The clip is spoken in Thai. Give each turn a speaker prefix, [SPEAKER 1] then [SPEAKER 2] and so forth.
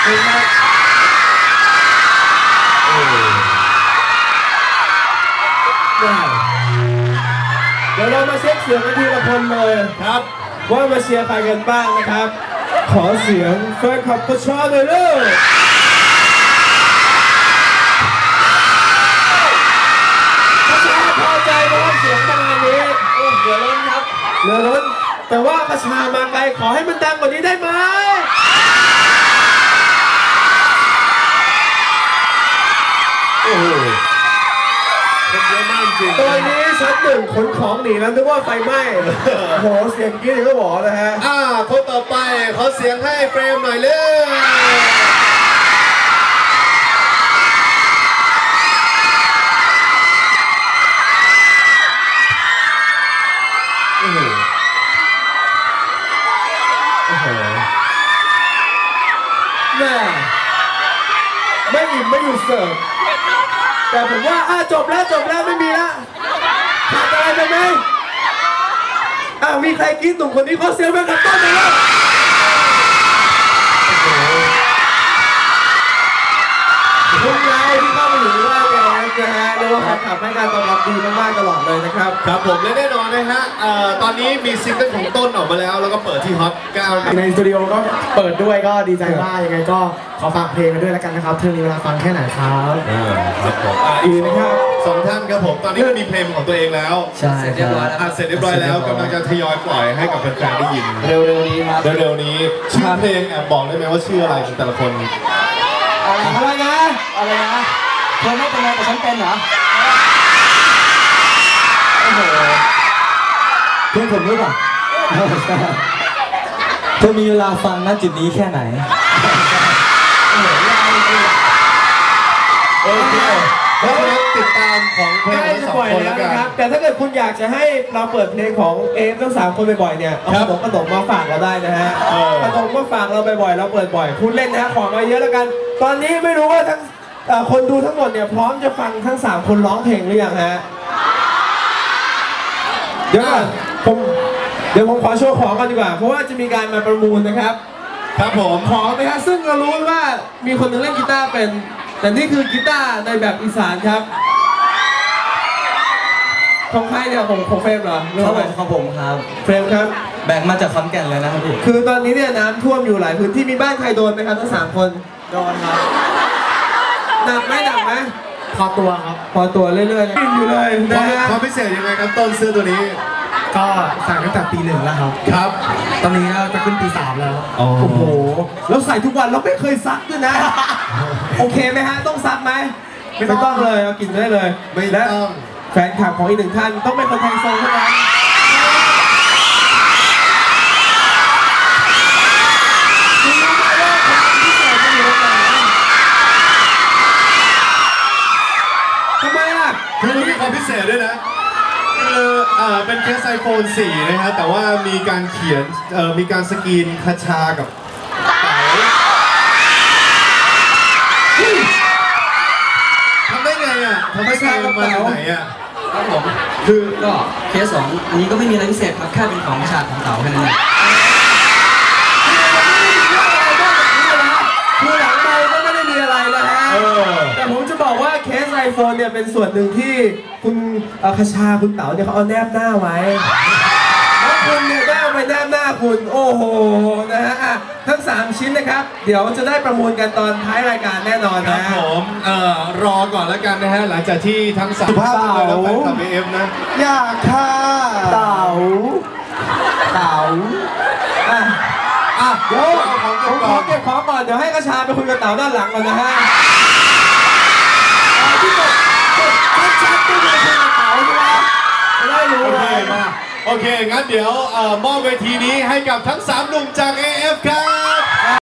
[SPEAKER 1] เดี๋ยวเรามาเช็คเสียงกันทีละคนเลยครับว่ามาเชียร์ใครกันบ้างนะครับขอเสียงแฟนคลับกระชากเลยเด้อกระชาพอใจนะครับเสียงประมาณนี้โอ้เหลือล้นครับเหลือล้นแต่ว่ากระชามาไกลขอให้มันดังกว่านี้ได้ไหมโอ้โหตอนนี้ชั้นหนึ่งขนของหนีแล้วนึกว่าไฟไหม้โหเสียงกรี๊ดก็บอกนะฮะ
[SPEAKER 2] คนต่อไปขอเสียงให้เฟรมหน่อยเลย
[SPEAKER 1] แม่ไม่อิ่มไม่อยู่เสิร์ฟแต่ผมว่าจบแล้วไม่มีละขาดอะไรไปไหมมีใครกินหนุ่มคนนี้เขาเสียงไปกับต้นไหมครับคุณนายที่เข้ามาอยู่ว่าแกนะฮะเรียกว่าแฟนคลับให้การตอบรับดีมากๆตลอดเลยนะครับ
[SPEAKER 2] ครับผมและแน่นอนนะฮะตอนนี้มีซิงเกิลของต้นออกมาแล้วแล้วก็เปิดที่ฮอต9
[SPEAKER 3] ในสตูดิโอก็เปิดด้วยก็ดีใจมากยังไงก็ขอฝากเพลงกันด้วยแล้วกันนะครับเธอมีเวลาฟังแค่ไหนครับ
[SPEAKER 2] ครับผมอีกนะครับ2ท่านครับผมตอนนี้มีเพลงของตัวเองแล้ว
[SPEAKER 3] ใช่เรียบร้อย
[SPEAKER 2] เสร็จเรียบร้อยแล้วกำลังจะทยอยปล่อยให้กับแฟนๆได้ยิน
[SPEAKER 3] เร็วๆนี้ครับ
[SPEAKER 2] เร็วๆนี้ชื่อเพลงแอบบอกได้ไหมว่าชื่ออะไรของแต่ละคน
[SPEAKER 3] อะไรนะเธอไม่เป็นไรแต่ฉันเป็นเหรอโอ้โหเพื่อนผมรู้ป่ะเธอมีเวลาฟังณจุดนี้แค่ไหน
[SPEAKER 2] โอเคแล้วติดตามของเพลงทั้ง2คนแล้วกัน
[SPEAKER 1] แต่ถ้าเกิดคุณอยากจะให้เราเปิดเพลงของทั้ง3คนบ่อยๆเนี่ยเอาขนมมาฝากเราได้นะฮะขนมมาฝากเราบ่อยๆเราเปิดบ่อยคุณเล่นนะขอมาเยอะแล้วกันตอนนี้ไม่รู้ว่าทั้งคนดูทั้งหมดเนี่ยพร้อมจะฟังทั้ง3คนร้องเพลงหรือยังฮะเดี๋ยวผมขอโชว์ของกันดีกว่าเพราะว่าจะมีการมาประมูลนะครับ
[SPEAKER 2] ครับผม
[SPEAKER 1] ของนะครับซึ่งเรารู้ว่ามีคนหนึ่งเล่นกีตาร์เป็นแต่นี่คือกีตาร์ในแบบอีสานครับของใครเนี่ยของเฟรมเหรอ
[SPEAKER 3] ของผมครับ
[SPEAKER 1] เฟรมครับ
[SPEAKER 3] แบกมาจากขอนแก่นเลยนะครับพี่
[SPEAKER 1] คือตอนนี้เนี่ยน้ำท่วมอยู่หลายพื้นที่มีบ้านใครโดนไหมครับทั้ง3คน
[SPEAKER 3] โดนครับ
[SPEAKER 1] หนักไหม
[SPEAKER 3] พอตัวครับ
[SPEAKER 1] พอตัวเรื่อยๆกินอยู่เลยนะฮะ
[SPEAKER 2] ความพิเศษยังไงครับต้นเสื้อตัวนี้
[SPEAKER 3] ก็สั่งตั้งแต่ปี1แล้วครับตอนนี้จะขึ้นปี3แล้ว
[SPEAKER 1] โอ้โหแล้วใส่ทุกวันเราไม่เคยซักด้วยนะโอเคไหมฮะต้องซักไหมไม่ต้องเลยเอากินได้เลย
[SPEAKER 2] ไม่ต้อง
[SPEAKER 1] แฟนคลับของอีก1ท่านต้องเป็นคนไทยโซเท่านั้นทำไมล่ะ
[SPEAKER 2] คือมีความพิเศษด้วยนะคือเป็นเคส iPhone 4 นะฮะแต่ว่ามีการเขียนมีการสกรีนคาชากับเต๋าทำได้ไงทำได้ไงมาจากไหน
[SPEAKER 3] ครับผมคือก็เคส2อันนี้ก็ไม่มีอะไรพิเศษครับแค่เป็นของฉากของเต๋าแค่นั้นเอง
[SPEAKER 1] คือหลังไปก็ไม่ได้มีอะไรนะฮะแต่ผมจะบอกว่าเคส iPhone เนี่ยเป็นส่วนหนึ่งที่คุณคชาคุณเต๋าเนี่ยเขาเอาแนบหน้าไว้แล้วคุณเนี่ยได้เอาไปแนบหน้าคุณโอ้โหนะฮะทั้ง3ชิ้นนะครับเดี๋ยวจะได้ประมูลกันตอนท้ายรายการแน่นอน
[SPEAKER 2] นะครับผมรอก่อนแล้วกันนะฮะหลังจากที่ทั้ง3ภาพเลยแล้วแฟนคลับ AF นะ
[SPEAKER 1] อยากค่ะเต๋าเดี๋ยวผมขอเก็บของก่อนเดี๋ยวให้กระชาไปคุยกับเต๋าด้านหลังก่อนนะฮะที่กดชัดๆก็คือคุยกับเต๋าใช่ไหมไม่ได้รู้เลย
[SPEAKER 2] โอเคงั้นเดี๋ยวมอบเวทีนี้ให้กับทั้ง3หนุ่มจาก AF ครับ